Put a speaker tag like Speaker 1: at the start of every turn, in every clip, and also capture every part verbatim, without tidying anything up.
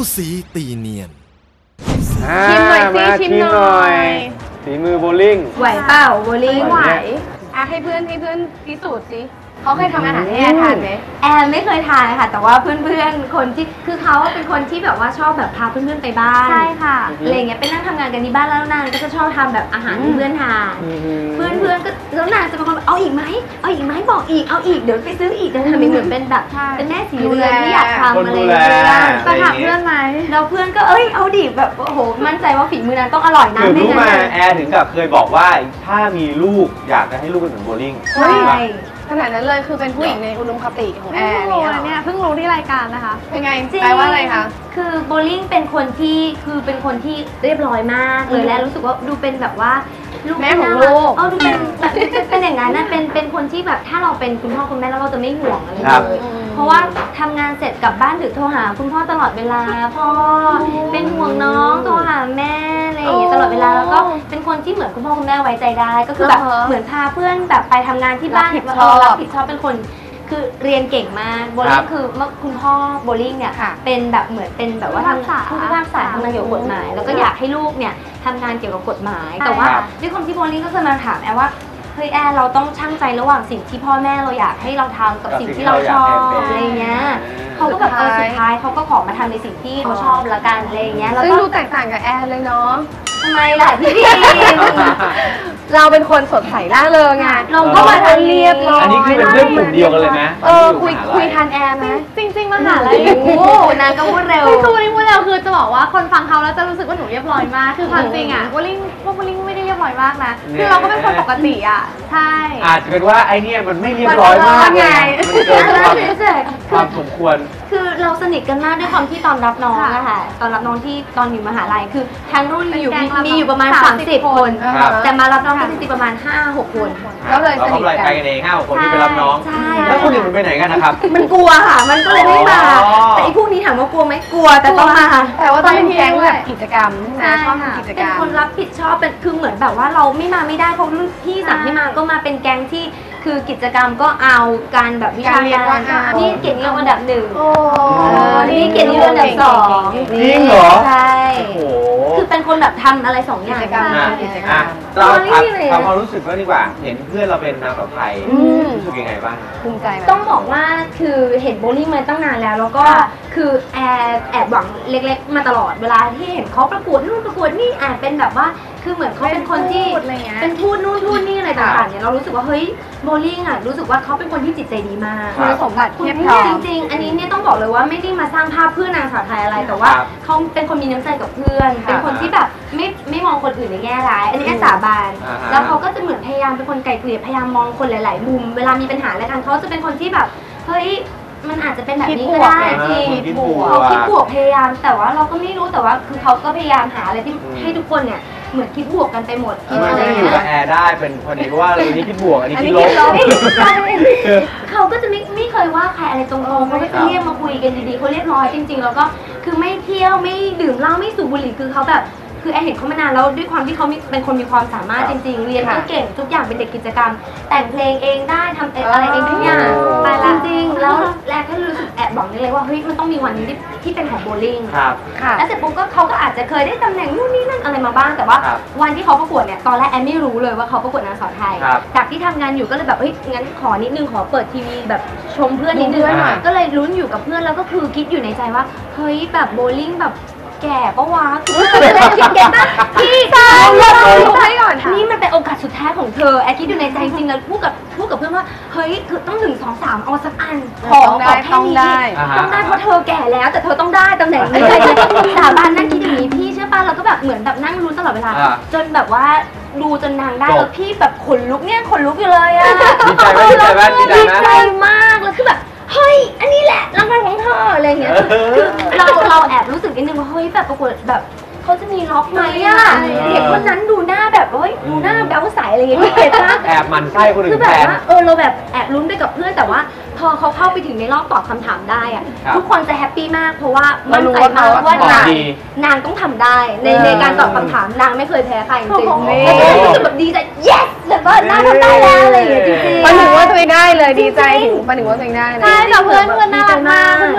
Speaker 1: สีตีเนียน
Speaker 2: ชิมหน่อยสิชิมหน่อย
Speaker 3: ฝีมือโบลิ่ง
Speaker 2: ไหวเปล่าโบลิ่งไหวอ่ะให้เพื่อนให้เพื่อนพิสูจน์สิเขาเคยทำอาหารให้แอร์ทานไหมแอร์ไม่เคยทานค่ะแต่ว่าเพื่อนๆคนที่คือเขาเป็นคนที่แบบว่าชอบแบบพาเพื่อนๆไปบ้านใช่ค่ะอะไรเงี้ยไปนั่งทำงานกันที่บ้านแล้วนางก็จะชอบทำแบบอาหารให้เพื่อนทานเพื่อนๆก็แล้วนางจะเป็นคนเอาอีกไหมเอาอีกไหมบอกอีกเอาอีกเดี๋ยวไปซื้ออีกจะทำเหมือนเป็นแบบเป็นแม่สีเรือนที่อยากทำอะไรเงี้ยไปถามเพื่อนไหมแล้วเพื่อนก็เอ้ยเอาดิแบบโอ้โหมั่นใจว่าฝีมือนั้นต้องอร่อยนะ
Speaker 3: คือรู้มาแอร์ถึงกับเคยบอกว่าถ้ามีลูกอยากจะให้ลูกเป็นเหมือนโบลิ่ง
Speaker 2: ใช่ขนาดนั้นเลยคือเป็นผู้หญิงในอุดมคติของแอร์เนี่ยเพิ่งรู้ที่รายการนะคะเป็นไงแปลว่าอะไรคะคือโบลิ่งเป็นคนที่คือเป็นคนที่เรียบร้อยมากเลยและรู้สึกว่าดูเป็นแบบว่าลูกแม่ของลูกเออดูเป็นแบบเป็นอย่างนั้นนะเป็นเป็นคนที่แบบถ้าเราเป็นคุณพ่อคุณแม่แล้วเราจะไม่ห่วงอะไรเลยเพราะว่าทำงานเสร็จกลับบ้านดึกโทรหาคุณพ่อตลอดเวลาพ่อเป็นห่วงน้องโทรหาแม่อะไรอย่างเงี้ยตลอดเวลาแล้วก็เป็นคนที่เหมือนคุณพ่อคุณแม่ไว้ใจได้ก็คือแบบเหมือนพาเพื่อนแบบไปทำงานที่บ้านรับผิดชอบเป็นคนคือเรียนเก่งมากโบลิ่งคือเมื่อคุณพ่อโบลิ่งเนี่ยเป็นแบบเหมือนเป็นแบบว่าทำผู้พิพากษาทำงานเกี่ยวกับกฎหมายแล้วก็อยากให้ลูกเนี่ยทำงานเกี่ยวกับกฎหมายแต่ว่าด้วยความที่โบลิ่งก็เคยมาถามแอร์ว่าเฮ้ยแอร์เราต้องชั่งใจระหว่างสิ่งที่พ่อแม่เราอยากให้เราทำกับสิ่งที่เราชอบอะไรเงี้ยเขาก็แบบเออสุดท้ายเขาก็ขอมาทำในสิ่งที่เขาชอบละกันอะไรเงี้ยแล้วก็ดูแตกต่างกับแอร์เลยเนาะทำไมล่ะพี่พีเราเป็นคนสดใสร่าเริงไงเราก็มาทันเรียบร้อย
Speaker 3: อันนี้คือเป็นเรื่องกลุ่มเดียวกันเลยนะ
Speaker 2: เออคุยคุยทันแอร์ไหมจริงๆมหาลัยโอ้นางก็พูดเร็วคือวันนี้พูดเร็วคือจะบอกว่าคนฟังเขาแล้วจะรู้สึกว่าหนูเรียบร้อยมากคือความจริงอ่ะวอลลิ่งพวกวอลลิ่งไม่ได้เรียบร้อยมากนะคือเราก็เป็นคนปกติอ่ะใช่
Speaker 3: อาจจะเป็นว่าไอเนี่ยมันไม่เรียบร้อยมากไงมันเกินความสมควร
Speaker 2: คือเราสนิทกันมากด้วยความที่ตอนรับน้องอะค่ะตอนรับน้องที่ตอนอยู่มหาลัยคือทั้งรุ่นมีอยู่มีอยู่ประมาณสามสิบคนแต่มารับน้องที่จริงๆประมาณห้าหกคน
Speaker 3: ก็เลยสนิทกันไปกันเองห้าหกคนที่ไปรับน้องแล้วคนอื่นมันไปไหนกันนะครับ
Speaker 2: มันกลัวค่ะมันก็เลยไม่มาแต่ไอ้พวกนี้ถามว่ากลัวไหมกลัวแต่ต้องมาแต่ว่าต้องเป็นแก๊งแบบกิจกรรมนะชอบทำกิจกรรมเป็นคนรับผิดชอบเป็นคือเหมือนแบบว่าเราไม่มาไม่ได้เพราะรุ่นพี่สั่งให้มาก็มาเป็นแก๊งที่คือกิจกรรมก็เอาการแบบวิชาการนี่เก่งเรื่องอันดับหนึ่งนี่เก่งเรื่องอันดับสอง
Speaker 3: จริงเหรอ
Speaker 2: ใช่คือเป็นคนแบบทำอะไรสองอย่าง
Speaker 3: เราทำความรู้สึกก็ดีกว่าเห็นเพื่อนเราเป็นนางสาวไทยรู้สึกยังไงบ้าง
Speaker 2: ภูมิใจต้องบอกว่าคือเห็นโบลิ่งมาตั้งนานแล้วแล้วก็คือแอบแอบหวังเล็กๆมาตลอดเวลาที่เห็นเขาประกวดนู่นประกวดนี่แอบเป็นแบบว่าคือเหมือนเขาเป็นคนที่เป็นทูตนู่นทูตนี่อะไรต่างๆเนี่ยเรารู้สึกว่าเฮ้ยโบลิ่งอ่ะรู้สึกว่าเขาเป็นคนที่จิตใจดีมากคุณสมบัติเพียบพร้อมจริงๆอันนี้เนี่ยต้องบอกเลยว่าไม่ได้มาสร้างภาพเพื่อนางสาวไทยอะไรแต่ว่าเขาเป็นคนมีน้ำใจกับเพื่อนเป็นคนที่แบบไม่ไม่มองคนอื่นในแง่ร้ายอันนี้สาบานแล้วเขาก็จะเหมือนพยายามเป็นคนไกลเกลี่ยพยายามมองคนหลายๆมุมเวลามีปัญหาอะไรกันเขาจะเป็นคนที่แบบเฮ้ยมันอาจจะเป็นแบบนี้ก็ได้จริงเขาคิดบวกพยายามแต่ว่าเราก็ไม่รู้แต่ว่าคือเขาก็พยายามหาอะไรที่ให้ทุกคนเนี่ยเหมือนคิดบวกกันไปหมด
Speaker 3: อะไรอย่างเงี้ยอยู่กับแอร์ได้เป็นพอดีเพราะว่าอันนี้คิดบวกอันนี้คิดลบ
Speaker 2: เขาก็จะไม่ไม่เคยว่าใครอะไรตรงๆเขาก็จะเรียกมาคุยกันดีๆเขาเรียบร้อยจริงๆแล้วก็คือไม่เที่ยวไม่ดื่มเหล้าไม่สูบบุหรี่คือเขาแบบคือแอร์เห็นเขามานานแล้วด้วยความที่เขาเป็นคนมีความสามารถจริงๆเรียนก็เก่งทุกอย่างเป็นเด็กกิจกรรมแต่งเพลงเองได้ทำอะไรเองทุกอย่างไปละจริงแล้วแรกก็รู้สึกแอบบอกนี่เลยว่าเฮ้ยมันต้องมีวันนี้ที่ที่เป็นของโบลิ่งแล้วเสร็จปุ๊บก็เขาก็อาจจะเคยได้ตำแหน่งนู่นนี่นั่นอะไรมาบ้างแต่ว่าวันที่เขาประกวดเนี่ยตอนแรกแอร์ไม่รู้เลยว่าเขาประกวดนางสาวไทยจากที่ทำงานอยู่ก็เลยแบบเฮ้ยงั้นขอนิดนึงขอเปิดทีวีแบบชมเพื่อนนิดนึงก็เลยลุ้นอยู่กับเพื่อนแล้วก็คือคิดอยู่ในใจว่าเฮ้ยแบบโบลิ่งแบบแก่ปะวะคือจะได้คิดแก่ป่ะพี่ใช่ให้ก่อนนี่มันเป็นโอกาสสุดท้ายของเธอแอร์คิดอยู่ในใจจริงแล้วพูดกับพูดกับเพื่อนว่าเฮ้ยคือต้องหนึ่งสองสามเอาสักอันของได้ต้องได้ต้องได้เพราะเธอแก่แล้วแต่เธอต้องได้ตำแหน่งนี้สาบานนั่งคิดอย่างนี้พี่เชื่อป่ะเราก็แบบเหมือนแบบนั่งลุ้นตลอดเวลาจนแบบว่าดูจนนางได้แล้วพี่แบบขนลุกเนี่ยขนลุกอยู่เลยอะ
Speaker 3: ดีใจไหมดีใจไหม
Speaker 2: ดีใจมากแล้วคือแบบเฮ้ยอันนี้แหละรางวัลของเธออะไรอย่างเงี้ยคือเราเราแอบรู้สึกนิดนึงว่าเฮ้ยแบบประกวดแบบเขาจะมีล็อกไหมอ่ะเด็กคนนั้นดูหน้าแบบเฮ้ยดูหน้าแบ๊วใสอะไรอย่างเงี้ยพี่เห็นปะ
Speaker 3: แอบมันไส้คนอื่น
Speaker 2: คือแบบว่าเออเราแบบแอบลุ้นไปกับเพื่อนแต่ว่าพอเขาเข้าไปถึงในรอบตอบคำถามได้อ่ะทุกคนจะแฮปปี้มากเพราะว่ามั่นใจมากว่านางนางต้องทำได้ในในการตอบคำถามนางไม่เคยแพ้ใครจริงๆแล้วก็รู้สึกแบบดีใจ yes แบบว่านางทำได้แล้วอะไรอย่างเงี้ยจริงๆ
Speaker 4: ประหนึ่งว่าตัวเองได้เลยดีใจถึงประหนึ่งว่าตัวเองได้เลย
Speaker 2: ใช่แต่เพื่อนเพื่อนน่ารักมากเพื่อนน่ารักมาก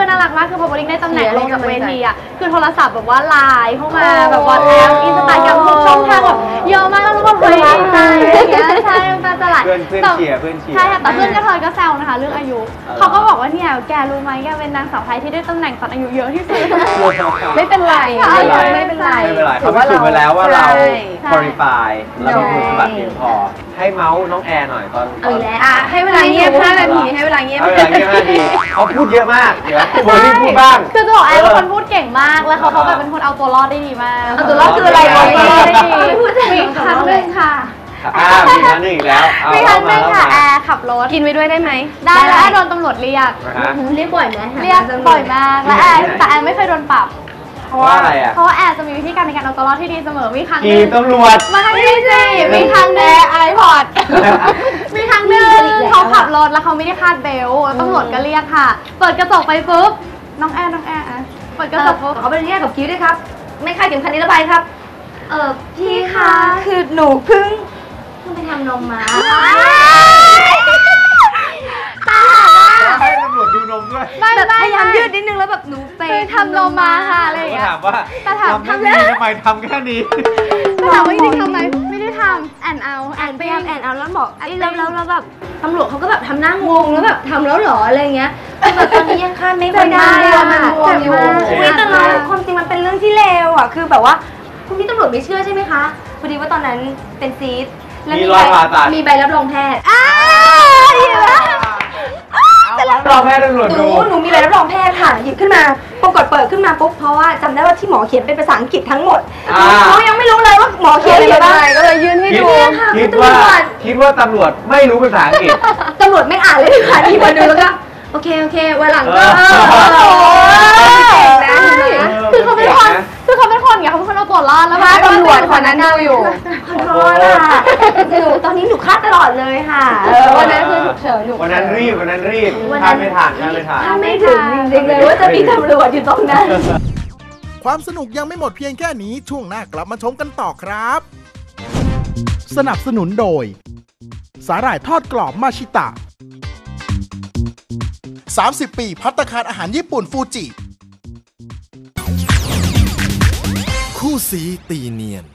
Speaker 1: ากคือพอโบลิ่งได้ตำแหน่งลงจากเวทีอ่ะคือโทรศัพท์แบบว่าไลน์เข้ามาแบบวอทแอปอินสตาแกรมทุกช่องทางแบบเยอะมากแล้วทุกคนเลยดีใจอย่างเงี้ยใช่น้ำตาจะไหล
Speaker 3: เพื่อนเพื่อนเชียร์เพื่อนเชียร์
Speaker 1: ใช่ค่ะแต่เพื่อนก็เธอก็แซวนะคะเรื่องอายุเขาก็บอกว่าเนี่ยแกรู้ไหมแกเป็นนางสาวไทยที่ได้ตำแหน่งตอนอายุเยอะที่สุด
Speaker 4: ไม่เป็นไร
Speaker 3: ไม่เป็นไรไม่เป็นไรเขาพิสูจน์ไปแล้วว่าเรา qualify เรามีคุณสมบัติเพียงพอให้เมาส์น้องแอร์หน่อยตอน
Speaker 2: เอาอีกแล้ว
Speaker 4: อ่ะให้เวลาเงียบห้านาทีให้เวลาเงียบ
Speaker 3: เอาเวลาเงียบห้านาทีเขาพูดเยอะมากเดี๋ยวโบลิ่งพูดบ้าง
Speaker 1: คือจะบอกแอนเป็นคนพูดเก่งมากแล้วเขาเขาแบบเป็นคนเอาตัวรอดได้ดีมาก
Speaker 4: เอาตัวรอดคืออะไร
Speaker 1: เอาตัวรอดได้ดี
Speaker 2: ไม่พูดถึง
Speaker 1: มีครั้งหนึ่งค่ะ
Speaker 3: อ่ามีครั้งหนึ่งอีกแล้วเอา
Speaker 1: มีครั้งห
Speaker 3: มา
Speaker 1: นึ่ง
Speaker 3: แล้ว
Speaker 1: ค่ะ
Speaker 3: มา
Speaker 1: แอร์ขับรถ
Speaker 4: กินไปด้วยได้ไหม
Speaker 1: ได้แล้วแอร์โดนตำรวจเรียก
Speaker 3: นะฮะ
Speaker 2: เรียกบ่อยไหม
Speaker 1: เรียกบ่อยมากและแอร์แต่แอร์ไม่เคยโดนปรับ
Speaker 3: เพราะว่าอะไรอ่ะ
Speaker 1: เพราะว่าแอร์จะมีวิธีการในการเอาตัวรอดที่ดีเสมอมีครั้งห
Speaker 3: ขี่
Speaker 1: นึ่ง
Speaker 3: ตำรวจ
Speaker 1: มาครั้งที่สี่มีครั้งหนึ่งไอพอดมีครั้งหนึ่งเขาขับรถแล้วเขาไม่ได้คาดเบลต์แล้วตำรวจก็เรียกค่ะ เปิดกระจกไปปุ๊บน้องแอร์น้องแอร์อะเปิดกระจกปุ๊บ
Speaker 2: เขาไปเรียกกับคิ้วด้วยครับ ไม่คาดเข็มขัดนิรภัยครับ เออพี่คะ
Speaker 4: คือหนูเพิ่ง
Speaker 2: เพิ่งไปทำนมมา
Speaker 3: ให้ตำรวจดูนมด้วย
Speaker 1: ไม่
Speaker 4: แบบ
Speaker 1: ไม่
Speaker 4: พยายามยืดนิดนึงแล้วแบบหนูไป
Speaker 1: ไปทำนมมาค่ะอะไรอย่าง
Speaker 3: ก็
Speaker 1: เงี้ย
Speaker 3: ถามว่า
Speaker 1: แต่ถาม
Speaker 3: ทำแค่นี้ทำไมทำแค่นี้
Speaker 1: แต่ถามว่าจริงๆทำไหมไม่ได้ทำแอนเอาแอ
Speaker 2: แอน
Speaker 1: น
Speaker 2: พ
Speaker 1: ไป
Speaker 2: ยายามแอนเอาแล้วบอกไอ้แล้วแล้วแล้วแบบตำรวจเขาก็แบบทำหน้างงแล้วแบบทำแล้วเหรออะไรเงี้ยแต่แบบตอนนี้ยังคาดไม่ค่อยได้
Speaker 4: เจ็บ
Speaker 2: อะ
Speaker 4: มาก
Speaker 2: เจ็บมาก
Speaker 3: เจ็บมาก
Speaker 2: อุ๊ยแต่เราความจริงมันเป็นเรื่องที่เลวอ่ะคือแบบว่าคุณพี่ตำรวจไม่เชื่อใช่ไหมคะพอดีว่าตอนนั้นเป็นซีสและ
Speaker 3: มีรอยผ่าตัด
Speaker 2: มีใบรับรองแพทย์
Speaker 3: เราแพ้ตำรวจ
Speaker 4: ห
Speaker 3: ดู
Speaker 4: นูหนูมีใบรับรองแพทย์ค่ะหยิบขึ้นมาปรากฏเปิดขึ้นมาปุ๊บเพราะว่าจำได้ว่าที่หมอเขียนเป็นภาษาอังกฤษทั้งหมด
Speaker 3: อ่า
Speaker 4: เขายังไม่รู้เลยว่าหมอเขียนอะไรบ้างก็เลยยื่นให้
Speaker 3: คิด
Speaker 4: ดู
Speaker 3: คิดว่าคิดว่าตำรวจไม่รู้ภาษาอังกฤษ
Speaker 4: ตำรวจไม่อ่านเลยค่ะที่มาดูแล้วก็
Speaker 2: โอเคโอเควันหลังก็
Speaker 3: เออ
Speaker 2: เออ
Speaker 4: เก่งนะ
Speaker 1: ใช่คือเขาเป็นคนคือเขาเป็นคนอย่างเขาเป็นคนเอาตัวรอดแล้ว
Speaker 4: ถ้าตำรวจคนนั้นดูอยู่
Speaker 2: ขอโทษค่ะหนูตอนนี้หนูคาดตลอดเลยค่ะ
Speaker 4: เออวันนั้นคือฉุกเฉินอยู่
Speaker 3: วันนั้นรีบวันนั้นรีบ
Speaker 2: วัน
Speaker 3: ทา
Speaker 2: นั้น น
Speaker 3: ไม่ทันทานไม่ทัน
Speaker 2: ถ้าไม่ถึงจริงๆเลยว่าจะมีตำรวจอยู่ตรงนั้น
Speaker 5: ความสนุกยังไม่หมดเพียงแค่นี้ช่วงหน้ากลับมาชมกันต่อครับ สนับสนุนโดย สาหร่ายทอดกรอบมาชิตะ สามสิบ ปีภัตตาคารอาหารญี่ปุ่นฟูจิ
Speaker 6: คู่สีตีเนียน